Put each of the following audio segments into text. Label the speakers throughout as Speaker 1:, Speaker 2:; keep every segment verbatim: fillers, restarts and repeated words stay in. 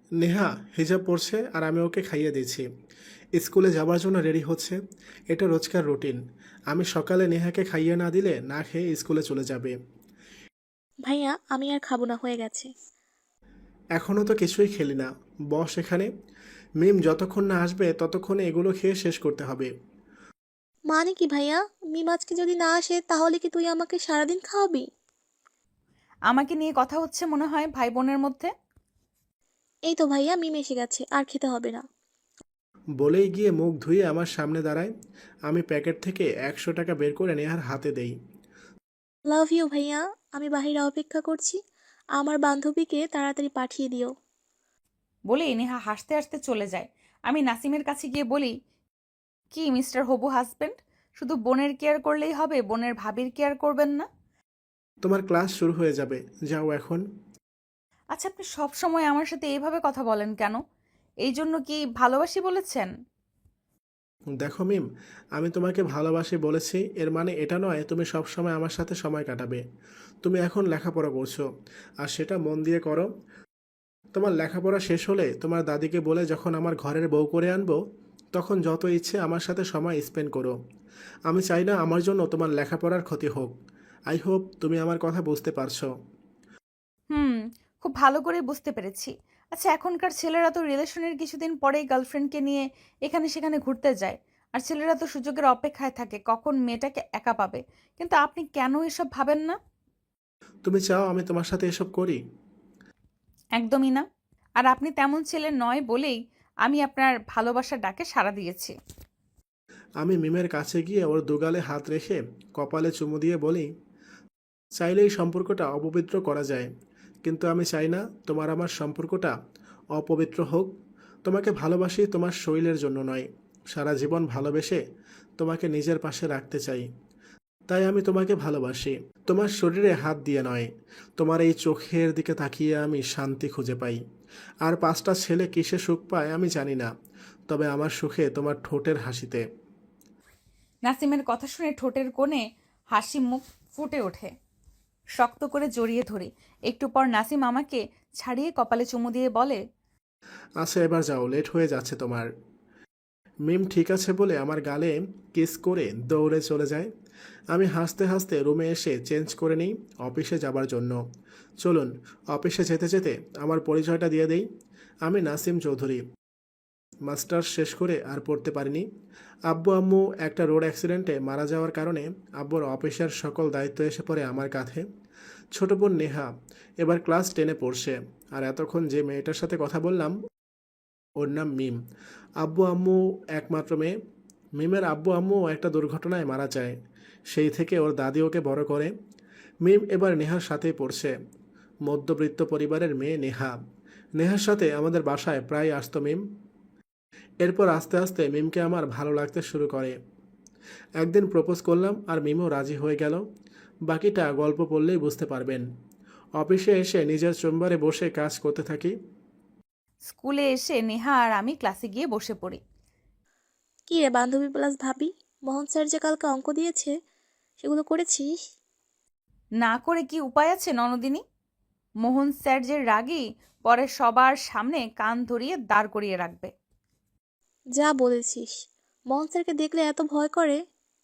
Speaker 1: নেহা হিজাব পরছে আর আমি ওকে খাইয়ে দিচ্ছি। স্কুলে যাবার জন্য রেডি হচ্ছে। এটা রোজকার রুটিন। আমি সকালে নেহাকে খাইয়ে না দিলে না খেয়ে স্কুলে চলে যাবে।
Speaker 2: ভাইয়া আমি আর খাবো না, হয়ে গেছে।
Speaker 1: এখনও তো কিছুই খেলি না। বস এখানে। মিম যতক্ষণ না আসবে ততক্ষণে এগুলো খেয়ে শেষ করতে হবে।
Speaker 2: মানে কি ভাইয়া? মিম আজকে যদি না আসে তাহলে কি তুই আমাকে সারাদিন খাওয়াবি?
Speaker 3: আমাকে নিয়ে কথা হচ্ছে মনে হয় ভাই বোনের মধ্যে।
Speaker 2: এই তো ভাইয়া, মিম এসে গেছে, আর খেতে হবে না।
Speaker 1: বলেই গিয়ে মুখ ধুয়ে আমার সামনে দাঁড়ায়। আমি প্যাকেট থেকে একশো টাকা বের করে নেহার হাতে দেই।
Speaker 2: লাভ ইউ ভাইয়া। আমি বাহিরে অপেক্ষা করছি। আমার বান্ধবীকে তাড়াতাড়ি পাঠিয়ে দিও।
Speaker 3: বলেই নেহা হাসতে হাসতে চলে যায়। আমি নাসিমের কাছে গিয়ে বলি, কি মিস্টার হবু হাজবেন্ড, শুধু বোনের কেয়ার করলেই হবে, বোনের ভাবির কেয়ার করবেন না?
Speaker 1: তোমার ক্লাস শুরু হয়ে যাবে, যাও এখন।
Speaker 3: আচ্ছা, আপনি সব সময় আমার সাথে এইভাবে কথা বলেন কেন? এই জন্য কি ভালোবাসি বলেছেন?
Speaker 1: দেখো মিম, আমি তোমাকে ভালোবাসি বলেছি এর মানে এটা নয় তুমি সব সময় আমার সাথে সময় কাটাবে। তুমি এখন লেখাপড়া করছো, আর সেটা মন দিয়ে করো। তোমার লেখাপড়া শেষ হলে তোমার দাদিকে বলে যখন আমার ঘরের বউ করে আনবো, তখন যত ইচ্ছে আমার সাথে সময় স্পেন্ড করো। আমি চাই না আমার জন্য তোমার লেখাপড়ার ক্ষতি হোক। আই হোপ তুমি আমার কথা বুঝতে পারছো।
Speaker 3: হুম, খুব ভালো করে বুঝতে পেরেছি। আচ্ছা, এখনকার ছেলেরা তো রিলেশনের কিছুদিন পরেই গার্লফ্রেন্ডকে নিয়ে এখানে সেখানে ঘুরতে যায়। আর ছেলেরা তো সুযোগের অপেক্ষায় থাকে কখন মেয়েটাকে একা পাবে। কিন্তু আপনি কেন এসব ভাবেন না?
Speaker 1: তুমি চাও আমি তোমার সাথে এসব করি?
Speaker 3: একদমই না। আর আপনি তেমন ছেলে নয় বলেই আমি আপনার ভালোবাসার ডাকে সাড়া দিয়েছি।
Speaker 1: আমি মিমের কাছে গিয়ে ওর দুগালে হাত রেখে কপালে চুমু দিয়ে বলি, চাইলেই সম্পর্কটা অপবিত্র করা যায়, কিন্তু আমি চাই না তোমার আমার সম্পর্কটা অপবিত্র হোক। তোমাকে ভালোবাসি তোমার শরীরের জন্য নয়, সারা জীবন ভালোবেসে তোমাকে নিজের পাশে রাখতে চাই। তাই আমি তোমাকে ভালোবাসি, তোমার শরীরে হাত দিয়ে নয়। তোমার এই চোখের দিকে তাকিয়ে আমি শান্তি খুঁজে পাই। আর পাঁচটা ছেলে কিসে সুখ পায় আমি জানি না, তবে আমার সুখে তোমার ঠোঁটের হাসিতে।
Speaker 3: নাসিমের কথা শুনে ঠোঁটের কোণে হাসি মুখ ফুটে ওঠে। শক্ত করে জড়িয়ে ধরি। একটু পর নাসিম আমাকে ছাড়িয়ে কপালে চুমু দিয়ে বলে,
Speaker 1: আচ্ছা এবার যাও, লেট হয়ে যাচ্ছে তোমার। মিম ঠিক আছে বলে আমার গালে কিস করে দৌড়ে চলে যায়। আমি হাসতে হাসতে রুমে এসে চেঞ্জ করে নিই অফিসে যাবার জন্য। চলুন, অফিসে যেতে যেতে আমার পরিচয়টা দিয়ে দেই। আমি নাসিম চৌধুরী। মাস্টার্স শেষ করে আর পড়তে পারিনি। আব্বু আম্মু একটা রোড অ্যাক্সিডেন্টে মারা যাওয়ার কারণে আব্বুর অফিসের সকল দায়িত্ব এসে পড়ে আমার কাঁধে। ছোট বোন নেহা এবার ক্লাস টেনে পড়ছে। আর এতক্ষণ যে মেয়েটার সাথে কথা বললাম ওর নাম মিম। আব্বু আম্মু একমাত্র মেয়ে। মিমের আব্বু আম্মু একটা দুর্ঘটনায় মারা যায়। সেই থেকে ওর দাদি ওকে বড় করে। মিম এবার নেহার সাথেই পড়ছে। মধ্যবিত্ত পরিবারের মেয়ে নেহা। নেহার সাথে আমাদের বাসায় প্রায় আসতো মিম। এরপর আস্তে আস্তে মিমকে আমার ভালো লাগতে শুরু করে। একদিন প্রপোজ করলাম আর মিমও রাজি হয়ে গেল। বাকিটা গল্প পড়লেই বুঝতে পারবেন। অফিসে এসে নিজের চেম্বারে বসে কাজ করতে থাকি।
Speaker 3: স্কুলে এসে নেহা আর আমি ক্লাসে গিয়ে বসে পড়ি।
Speaker 2: কি রে বান্ধবী প্লাস ভাবি, মোহন স্যার যে কালকে অঙ্ক দিয়েছে সেগুলো করেছিস?
Speaker 3: না করে কি উপায় আছে ননদিনী? মোহন স্যার যে রাগী, পরে সবার সামনে কান ধরিয়ে দাঁড় করিয়ে রাখবে।
Speaker 2: যা বলেছিস। মোহন স্যারকে দেখলে এত ভয় করে?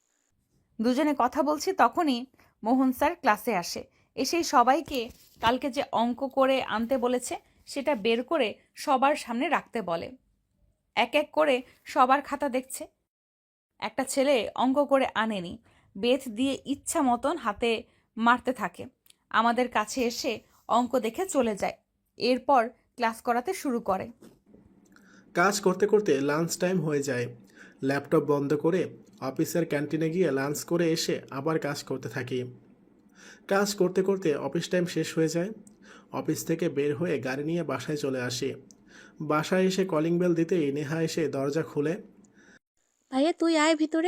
Speaker 3: দুজনে কথা বলছি তখনই মোহন স্যার ক্লাসে আসে। এসেই সবাইকে কালকে যে অঙ্ক করে আনতে বলেছে সেটা বের করে সবার সামনে রাখতে বলে। এক এক করে সবার খাতা দেখছে। একটা ছেলে অঙ্ক করে আনেনি, বেত দিয়ে ইচ্ছা মতন হাতে মারতে থাকে। আমাদের কাছে এসে অঙ্ক দেখে চলে যায়। এরপর ক্লাস করাতে শুরু করে।
Speaker 1: কাজ করতে করতে লাঞ্চ টাইম হয়ে যায়। ল্যাপটপ বন্ধ করে অফিসের ক্যান্টিনে গিয়ে লাঞ্চ করে এসে আবার কাজ করতে থাকি। কাজ করতে করতে অফিস টাইম শেষ হয়ে যায়। অফিস থেকে বের হয়ে গাড়ি নিয়ে বাসায় চলে আসি। বাসায় এসে কলিং বেল দিতেই নেহা এসে দরজা খুলে।
Speaker 2: ভাইয়া তুই আয় ভিতরে।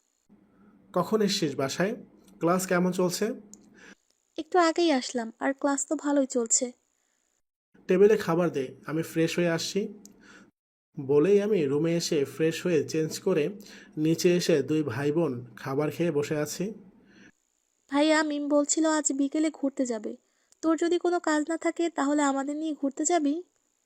Speaker 1: কখন এসছিস বাসায়? ক্লাস কেমন চলছে?
Speaker 2: একটু আগেই আসলাম, আর ক্লাস তো ভালোই চলছে।
Speaker 1: টেবিলে খাবার দে, আমি ফ্রেশ হয়ে আসছি। বলেই আমি রুমে এসে ফ্রেশ হয়ে চেঞ্জ করে নিচে এসে দুই ভাই বোন খাবার খেয়ে বসে আছি।
Speaker 2: ভাইয়া মিম বলছিল আজ বিকেলে ঘুরতে যাবে। তোর যদি কোনো কাজ না থাকে তাহলে আমাদের নিয়ে ঘুরতে যাবি?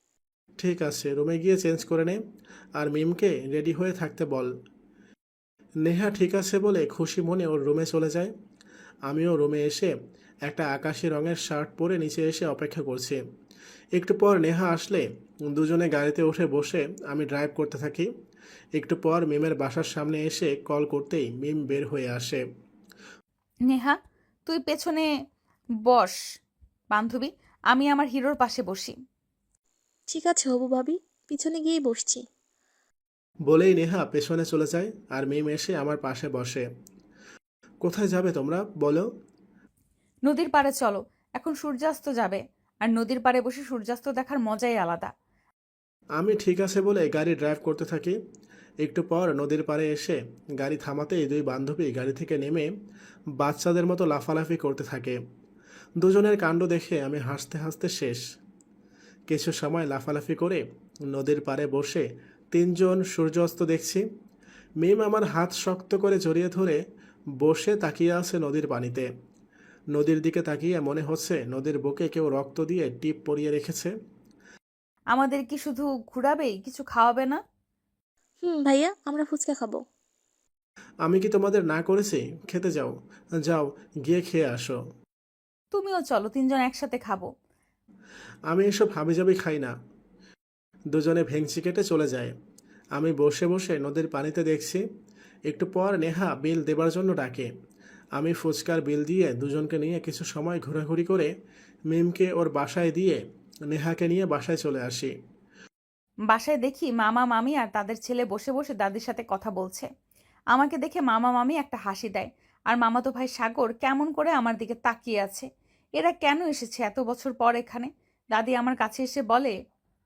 Speaker 1: ঠিক আছে, রুমে গিয়ে চেঞ্জ করে নে, আর মিমকে রেডি হয়ে থাকতে বল। নেহা ঠিক আছে বলে খুশি মনে ওর রুমে চলে যায়। আমিও রুমে এসে একটা আকাশি রঙের শার্ট পরে নিচে এসে অপেক্ষা করছি। একটু পর নেহা আসলে দুজনে গাড়িতে উঠে বসে আমি ড্রাইভ করতে থাকি। একটু পর মিমের বাসার সামনে এসে কল করতেই মিম বের হয়ে আসে।
Speaker 3: নেহা, তুই পেছনে বস বান্ধবী, আমি আমার হিরোর পাশে বসি।
Speaker 2: ঠিক আছে হবু ভাবি, পিছনে গিয়েই বসছি।
Speaker 1: বলেই নেহা পেছনে চলে যায় আর মিম এসে আমার পাশে বসে। কোথায় যাবে তোমরা বলো?
Speaker 3: নদীর পাড়ে চলো, এখন সূর্যাস্ত যাবে, আর নদীর পাড়ে বসে সূর্যাস্ত দেখার মজাই আলাদা।
Speaker 1: আমি ঠিক আছে বলে গাড়ি ড্রাইভ করতে থাকি। একটু পর নদীর পাড়ে এসে গাড়ি থামাতেই দুই বান্ধবী গাড়ি থেকে নেমে বাচ্চাদের মতো লাফালাফি করতে থাকে। দুজনের কাণ্ড দেখে আমি হাসতে হাসতে শেষ। কিছু সময় লাফালাফি করে নদীর পাড়ে বসে তিনজন সূর্যাস্ত দেখছি। মিম আমার হাত শক্ত করে জড়িয়ে ধরে বসে তাকিয়ে আছে নদীর পানিতে। নদীর দিকে তাকিয়ে মনে হচ্ছে নদীর বুকে কেউ রক্ত দিয়ে টিপ পরিয়ে রেখেছে।
Speaker 3: আমাদের কি শুধু ঘুরাবেই, কিছু খাওয়াবে না?
Speaker 2: হুম ভাইয়া, আমরা ফুচকা খাবো।
Speaker 1: আমি কি তোমাদের না করেছি? খেতে যাও, যাও গিয়ে খেয়ে আসো।
Speaker 3: তুমিও চলো, তিনজন একসাথে খাবো।
Speaker 1: আমি এসব হাবিজাবি খাই না। দুজনে ভেংচি কেটে চলে যায়। আমি বসে বসে নদীর পানিতে দেখছি। একটু পর নেহা বিল দেবার জন্য ডাকে। আমি ফুচকার বিল দিয়ে দুজনকে নিয়ে কিছু সময় ঘোরাঘুরি করে মিমকে ওর বাসায় দিয়ে নেহাকে নিয়ে বাসায় চলে আসি।
Speaker 3: বাসায় দেখি মামা মামি আর তাদের ছেলে বসে বসে দাদির সাথে কথা বলছে। আমাকে দেখে মামা মামি একটা হাসি দেয়, আর মামাতো ভাই সাগর কেমন করে আমার দিকে তাকিয়ে আছে। এরা কেন এসেছে এত বছর পর এখানে? দাদি আমার কাছে এসে বলে,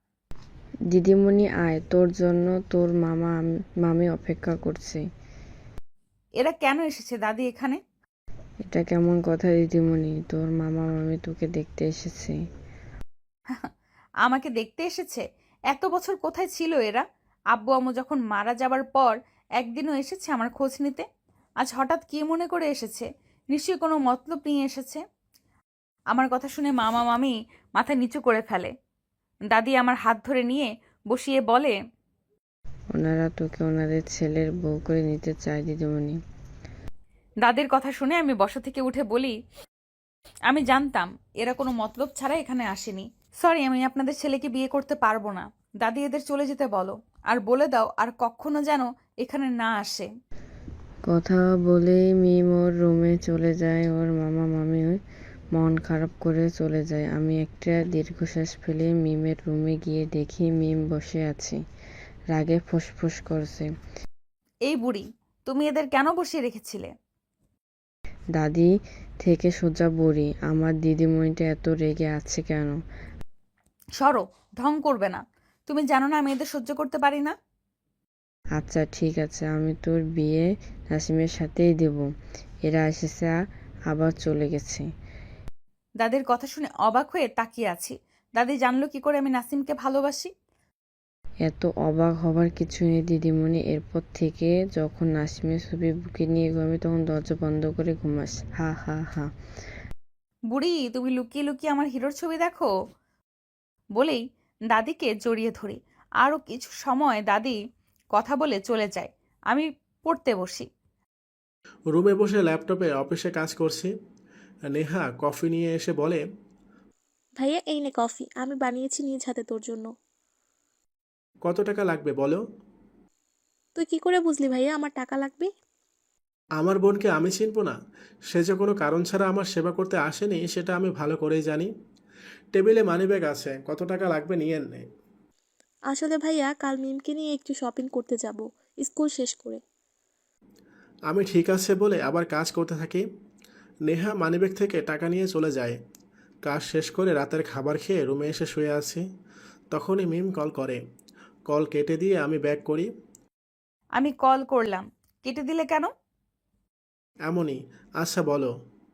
Speaker 4: দিদিমণি আয়, তোর জন্য তোর মামা আম- মামি অপেক্ষা করছে।
Speaker 3: এরা কেন এসেছে দাদি এখানে?
Speaker 4: এটা কেমন কথা দিদিমণি, তোর মামা মামি তোকে দেখতে এসেছে।
Speaker 3: আমাকে দেখতে এসেছে? এত বছর কোথায় ছিল এরা? আব্বু আম্মু যখন মারা যাবার পর একদিনও এসেছে আমার খোঁজ নিতে? আজ হঠাৎ কি মনে করে এসেছে? নিশ্চয়ই কোনো মতলব নিয়ে এসেছে। আমার কথা শুনে মামা মামি মাথা নিচু করে ফেলে। দাদি আমার হাত ধরে নিয়ে বসিয়ে বলে,
Speaker 4: ওনারা তোকে ওনাদের ছেলের বউ করে নিতে চায় দিদিমণি।
Speaker 3: দাদির কথা শুনে আমি বসা থেকে উঠে বলি, আমি জানতাম এরা কোনো মতলব ছাড়া এখানে আসেনি। সরি, আমি আপনাদের ছেলেকে বিয়ে করতে পারবো না। দাদি এদের চলে যেতে বলো, আর বলে দাও আর কখনো যেন এখানে না আসে।
Speaker 4: কথা বলেই মিম ওর রুমে চলে যায়। ওর মামা মামি মন খারাপ করে চলে যায়। আমি একটা দীর্ঘশ্বাস ফেলে মিমের রুমে গিয়ে দেখি মিম বসে আছে, রাগে ফুসফুস করছে।
Speaker 3: এই বুড়ি, তুমি এদের কেন বসিয়ে রেখেছিলে?
Speaker 4: দাদি থেকে সোজা বুড়ি, আমার দিদিমণিটা এত রেগে আছে কেন?
Speaker 3: সরো, ঢং করবে না। তুমি জানো না আমি এদের সহ্য করতে পারি না।
Speaker 4: আচ্ছা ঠিক আছে, আমি তোর বিয়ে নাসিমের সাথেই দেব। এরা এসেছে আবার চলে গেছে।
Speaker 3: দাদির কথা শুনে অবাক হয়ে তাকিয়ে আছি। দাদি জানলো কি করে আমি নাসিমকে ভালোবাসি?
Speaker 4: এত অবাক হবার কিছু নেই দিদিমণি। এরপর থেকে যখন নাসিমের ছবি বুকে নিয়ে ঘুমাবি তখন দরজা বন্ধ করে ঘুমাস। হা হা হা।
Speaker 3: বুড়ি, তুমি লুকিয়ে লুকিয়ে আমার হিরোর ছবি দেখো? বলেই দাদিকে জড়িয়ে ধরি। আরও কিছু সময় দাদি কথা বলে চলে যায়। আমি পড়তে বসি।
Speaker 1: রুমে বসে ল্যাপটপে অফিসে কাজ করছি। নেহা কফি নিয়ে এসে বলে,
Speaker 2: ভাইয়া এই নে কফি, আমি বানিয়েছি নিজ হাতে তোর জন্য।
Speaker 1: কত টাকা লাগবে বলো?
Speaker 2: তুই কি করে বুঝলি ভাইয়া আমার টাকা লাগবে?
Speaker 1: আমার বোনকে আমি চিনব না? সে যে কোনো কারণ ছাড়া আমার সেবা করতে আসেনি সেটা আমি ভালো করেই জানি। টেবিলে মানিব্যাগ আছে, কত টাকা লাগবে নিয়ে নে।
Speaker 2: আসলে ভাইয়া কাল মিমকে নিয়ে একটু শপিং করতে যাব, স্কুল শেষ করে।
Speaker 1: আমি ঠিক আছে বলে আবার কাজ করতে থাকি। নেহা মানিব্যাগ থেকে টাকা নিয়ে চলে যায়। কাজ শেষ করে রাতের খাবার খেয়ে রুমে এসে শুয়ে আছি। তখনই মিম কল করে। কল কেটে দিয়ে আমি ব্যাক করি।
Speaker 3: আমি কল করলাম, কেটে দিলে কেন?
Speaker 1: এমনই। আচ্ছা বলো।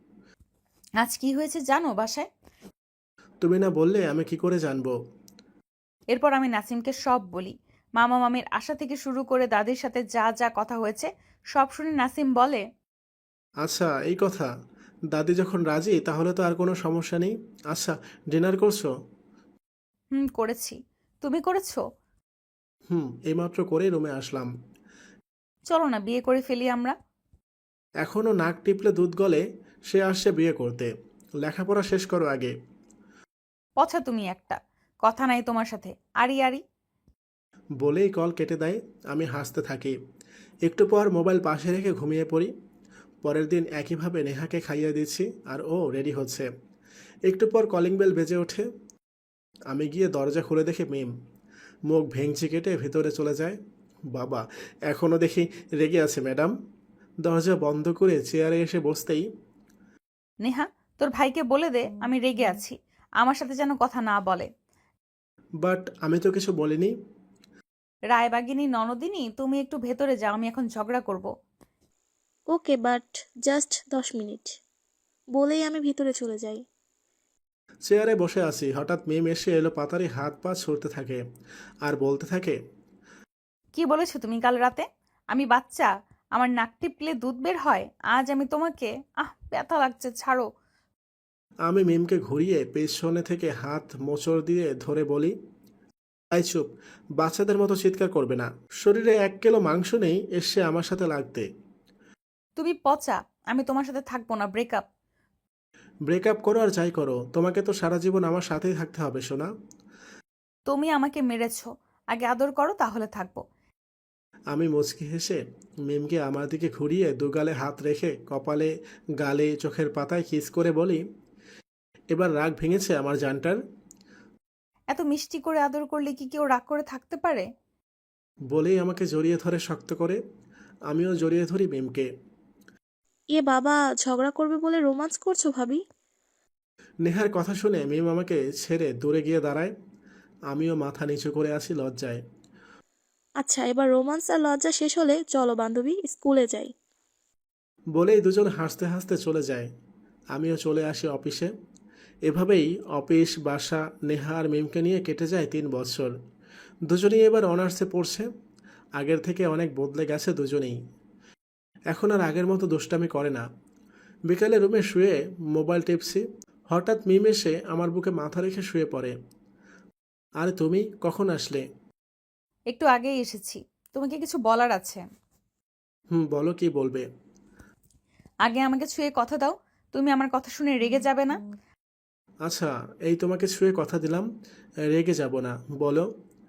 Speaker 3: আজ কি হয়েছে জানো বাসায়?
Speaker 1: তুমি না বললে আমি কি করে জানবো?
Speaker 3: এরপর আমি নাসিমকে সব বলি। মামা মামির আশা থেকে শুরু করে দাদির সাথে যা যা কথা হয়েছে সব শুনে নাসিম বলে,
Speaker 1: আচ্ছা এই কথা। দাদি যখন রাজি তাহলে তো আর কোনো সমস্যা নেই। আচ্ছা, ডিনার করছো?
Speaker 3: হুম করেছি। তুমি করেছো?
Speaker 1: হুম, এইমাত্র করেই রুমে আসলাম।
Speaker 3: চলো না বিয়ে করে ফেলি আমরা।
Speaker 1: এখনও নাক টিপলে দুধ গলে, সে আসছে বিয়ে করতে। লেখাপড়া শেষ করো আগে।
Speaker 3: পছা তুমি একটা, কথা নাই তোমার সাথে। আরি আরি।
Speaker 1: বলেই কল কেটে দেয়। আমি হাসতে থাকি। একটু পর মোবাইল পাশে রেখে ঘুমিয়ে পড়ি। পরের দিন একইভাবে নেহাকে খাইয়ে দিচ্ছি আর ও রেডি হচ্ছে। একটু পর কলিং বেল বেজে ওঠে। আমি গিয়ে দরজা খুলে দেখি মিম। মুখ ভেঙচি কেটে ভেতরে চলে যায়। বাবা, এখনও দেখি রেগে আছে ম্যাডাম। দরজা বন্ধ করে চেয়ারে এসে বসতেই,
Speaker 3: নেহা, তোর ভাইকে বলে দে আমি রেগে আছি, আমার সাথে যেন কথা না বলে।
Speaker 1: বাট আমি তো কিছু বলিনি।
Speaker 3: রায়বাগিনী ননদিনী, তুমি একটু ভেতরে যাও, আমি এখন ঝগড়া করব।
Speaker 2: ওকে, বাট জাস্ট দশ মিনিট বলেই আমি ভিতরে চলে যাই।
Speaker 1: চেয়ারে বসে আছি, হঠাৎ মিম এসে এলো পাতারি হাত পা ছুড়তে থাকে আর বলতে থাকে,
Speaker 3: কি বলেছো তুমি কাল রাতে? আমি বাচ্চা, আমার নাক টিপলে দুধ বের হয়? আজ আমি তোমাকে, আহ ব্যথা লাগছে, ছাড়ো।
Speaker 1: আমি মিমকে ঘুরিয়ে পেছনে থেকে হাত মোচড় দিয়ে ধরে বলি, তাই চুপ, বাচ্চাদের মতো চিৎকার করবে না। শরীরে এক কিলো মাংস নেই এসে আমার সাথে লাগতে।
Speaker 3: তুমি পচা, আমি তোমার সাথে থাকবো না, ব্রেকআপ।
Speaker 1: ব্রেকআপ করো আর যাই করো, তোমাকে তো সারা জীবন আমার সাথেই থাকতে হবে সোনা।
Speaker 3: তুমি আমাকে মেরেছো, আগে আদর করো তাহলে থাকবো।
Speaker 1: আমি মুচকি হেসে মিমকে আমার দিকে ঘুরিয়ে দুগালে হাত রেখে কপালে, গালে, চোখের পাতায় কিস করে বলি, এবার রাগ ভেঙেছে আমার জানটার।
Speaker 3: এত মিষ্টি করে আদর করলে কি কেউ রাগ করে থাকতে পারে?
Speaker 1: বলেই আমাকে জড়িয়ে ধরে শক্ত করে। আমিও জড়িয়ে ধরি মিমকে।
Speaker 2: এ বাবা, ঝগড়া করবে বলে রোমান্স করছো ভাবি?
Speaker 1: নেহার কথা শুনে মিম আমাকে ছেড়ে দূরে গিয়ে দাঁড়ায়। আমিও মাথা নিচু করে আছি লজ্জায়।
Speaker 2: আচ্ছা, এবার রোমান্স আর লজ্জা শেষ হলে চলো বান্ধবী, স্কুলে যাই।
Speaker 1: বলেই দুজন হাসতে হাসতে চলে যায়। আমিও চলে আসি অফিসে। এভাবেই অফিস, বাসা, নেহা আর মিমকে নিয়ে কেটে যায় তিন বছর। দুজনেই এবার অনার্সে পড়ছে। আগের থেকে অনেক বদলে গেছে দুজনেই। এখন আর আগের মতো দুষ্টামি করে না। বিকালে রুমে শুয়ে মোবাইল টিপছি, হঠাৎ মিম এসে আমার বুকে মাথা রেখে শুয়ে পড়ে। আরে তুমি কখন আসলে?
Speaker 3: একটু আগেই এসেছি, তোমাকে কিছু বলার আছে।
Speaker 1: হুম, বলো কি বলবে।
Speaker 3: আগে আমাকে ছুঁয়ে কথা দাও, তুমি আমার কথা শুনে রেগে যাবে না।
Speaker 1: আচ্ছা, এই তোমাকে ছুঁয়ে কথা দিলাম, রেগে যাব না, বলো।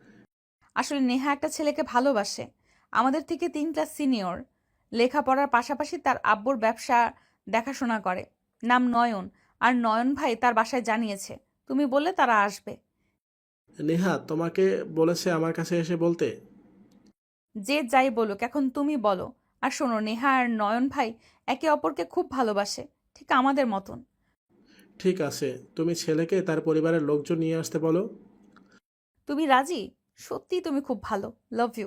Speaker 3: আসলে নেহা একটা ছেলেকে ভালোবাসে, আমাদের থেকে তিন ক্লাস সিনিয়র। লেখাপড়ার পাশাপাশি তার আব্বুর ব্যবসা দেখাশোনা করে, নাম নয়ন। আর নয়ন ভাই তার বাসায় জানিয়েছে তুমি বললে তারা আসবে।
Speaker 1: নেহা তোমাকে বলেছে আমার কাছে এসে বলতে?
Speaker 3: যে যাই বলুক, এখন তুমি বলো। আর শোনো, নেহা আর নয়ন ভাই একে অপরকে খুব ভালোবাসে, ঠিক আমাদের মতন।
Speaker 1: ঠিক আছে, তুমি ছেলেকে তার পরিবারের লোকজন নিয়ে আসতে বলো।
Speaker 3: তুমি রাজি? সত্যি তুমি খুব ভালো, লাভ ইউ।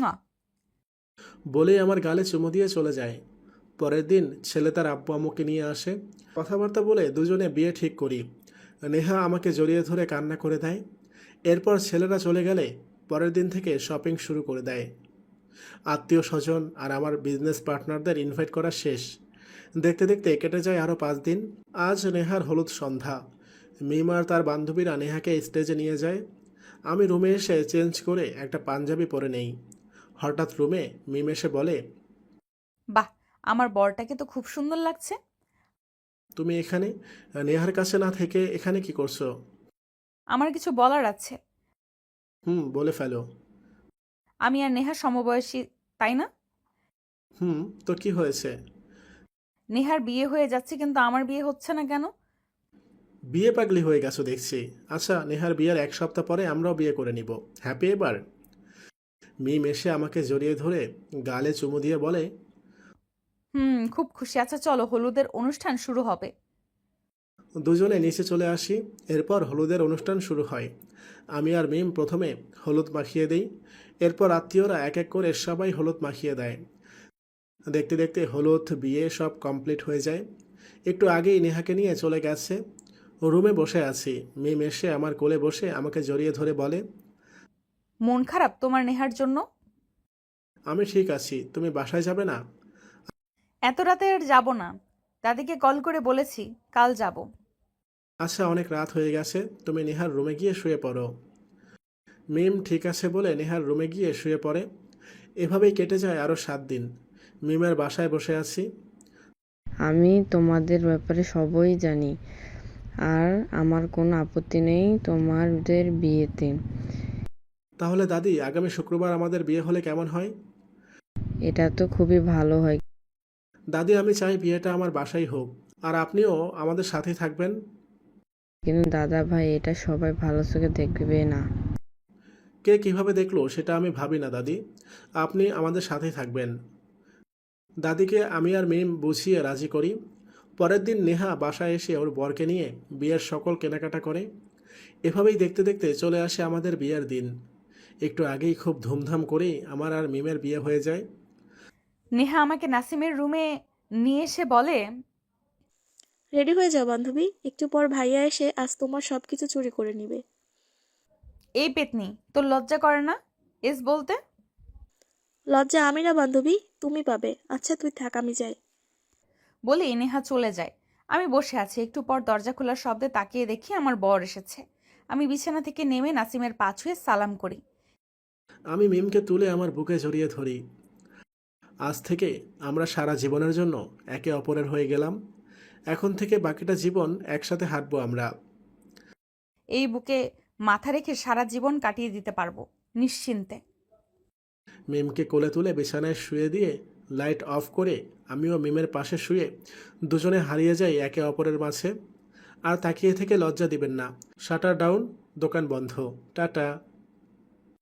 Speaker 1: বলেই আমার গালে চুমু দিয়ে চলে যায়। পরের দিন ছেলে তার আব্বু আম্মুকে নিয়ে আসে। কথাবার্তা বলে দুজনে বিয়ে ঠিক করি। নেহা আমাকে জড়িয়ে ধরে কান্না করে দেয়। এরপর ছেলেরা চলে গেলে পরের দিন থেকে শপিং শুরু করে দেয়। আত্মীয় স্বজন আর আমার বিজনেস পার্টনারদের ইনভাইট করা শেষ। দেখতে দেখতে কেটে যায় আরও পাঁচ দিন। আজ নেহার হলুদ সন্ধ্যা। মিম আর তার বান্ধবীরা নেহাকে স্টেজে নিয়ে যায়। আমি রুমে এসে চেঞ্জ করে একটা পাঞ্জাবি পরে নেই। হঠাৎ রুমে মিম এসে বলে,
Speaker 3: বাহ, আমার বরটাকে তো খুব সুন্দর লাগছে।
Speaker 1: তুমি এখানে নেহার কাছে না থেকে এখানে কি করছো?
Speaker 3: আমার কিছু বলার আছে।
Speaker 1: হুম, বলে ফেলো।
Speaker 3: আমি আর নেহা সমবয়সী, তাই না?
Speaker 1: হুম, তো কি হয়েছে?
Speaker 3: নেহার বিয়ে হয়ে যাচ্ছে কিন্তু আমার বিয়ে হচ্ছে না কেন?
Speaker 1: বিয়ে পাগলি হয়ে গেছো দেখছি। আচ্ছা, নেহার বিয়ের এক সপ্তাহ পরে আমরাও বিয়ে করে নিব। হ্যাপি এবার? মিম এসে আমাকে জড়িয়ে ধরে গালে চুমু দিয়ে বলে,
Speaker 3: হুম, খুব খুশি। আচ্ছা চলো, হলুদের অনুষ্ঠান শুরু হবে।
Speaker 1: দুজনে নিচে চলে আসি। এরপর হলুদের অনুষ্ঠান শুরু হয়। আমি আর মিম প্রথমে হলুদ মাখিয়ে দেই। এরপর আত্মীয়রা এক এক করে সবাই হলুদ মাখিয়ে দেয়। দেখতে দেখতে হলুদ, বিয়ে সব কমপ্লিট হয়ে যায়। একটু আগেই নেহাকে নিয়ে চলে গেছে। রুমে বসে আছি। মিম এসে আমার কোলে বসে আমাকে জড়িয়ে ধরে বলে,
Speaker 3: মন খারাপ তোমার নেহার জন্য?
Speaker 1: আমি ঠিক আছি, তুমি বাসায় যাবে না?
Speaker 3: এত রাতে আর যাব না, দাদিকে কল করে বলেছি কাল যাব।
Speaker 1: আচ্ছা, অনেক রাত হয়ে গেছে, তুমি নেহার রুমে গিয়ে শুয়ে পড়ো। মিম ঠিক আছে বলে নেহার রুমে গিয়ে শুয়ে পড়ে। এভাবেই কেটে যায় আরও সাত দিন। মিমের বাসায় বসে আছি।
Speaker 4: আমি তোমাদের ব্যাপারে সবই জানি, আর আমার কোনো আপত্তি নেই তোমাদের বিয়েতে।
Speaker 1: তাহলে দাদি, আগামী শুক্রবার আমাদের বিয়ে হলে কেমন হয়?
Speaker 4: এটা তো খুবই ভালো হয়।
Speaker 1: দাদি, আমি চাই বিয়েটা আমার বাসায় হোক, আর আপনিও আমাদের সাথেই থাকবেন।
Speaker 4: কিন্তু দাদা ভাই, এটা সবাই ভালো চোখে দেখবে না।
Speaker 1: কে কিভাবে দেখলো সেটা আমি ভাবি না দাদি। আপনি আমাদের সাথেই থাকবেন। দাদিকে আমি আর মিম বুঝিয়ে রাজি করি। পরের দিন নেহা বাসায় এসে ওর বরকে নিয়ে বিয়ের সকল কেনাকাটা করে। এভাবেই দেখতে দেখতে চলে আসে আমাদের বিয়ের দিন। একটু আগেই খুব ধুমধাম করেই আমার আর মিমের বিয়ে হয়ে যায়।
Speaker 3: নেহা আমাকে নাসিমের রুমে নিয়ে এসে বলে,
Speaker 2: রেডি হয়ে যাও বান্ধবী, একটু পর ভাইয়া এসে আজ তোমার সব কিছু চুরি করে নিবে।
Speaker 3: এই পেতনি, তোর লজ্জা করে না এস বলতে?
Speaker 2: লজ্জা আমি না বান্ধবী, তুমি পাবে। আচ্ছা তুই থাক, আমি যাই।
Speaker 3: বলে নেহা চলে যায়। আমি বসে আছি, একটু পর দরজা খোলার শব্দে তাকিয়ে দেখি আমার বর এসেছে। আমি বিছানা থেকে নেমে নাসিমের পা ছুঁয়ে সালাম করি।
Speaker 1: আমি মিমকে তুলে আমার বুকে জড়িয়ে ধরি। আজ থেকে আমরা সারা জীবনের জন্য একে অপরের হয়ে গেলাম। এখন থেকে বাকিটা জীবন একসাথে হাঁটবো আমরা।
Speaker 3: এই বুকে মাথা রেখে সারা জীবন কাটিয়ে দিতে পারবো নিশ্চিন্তে।
Speaker 1: মিমকে কোলে তুলে বিছানায় শুয়ে দিয়ে লাইট অফ করে আমিও মিমের পাশে শুয়ে দুজনে হারিয়ে যাই একে অপরের মাঝে। আর তাকিয়ে থেকে লজ্জা দিবেন না। শাটার ডাউন, দোকান বন্ধ। টাটা।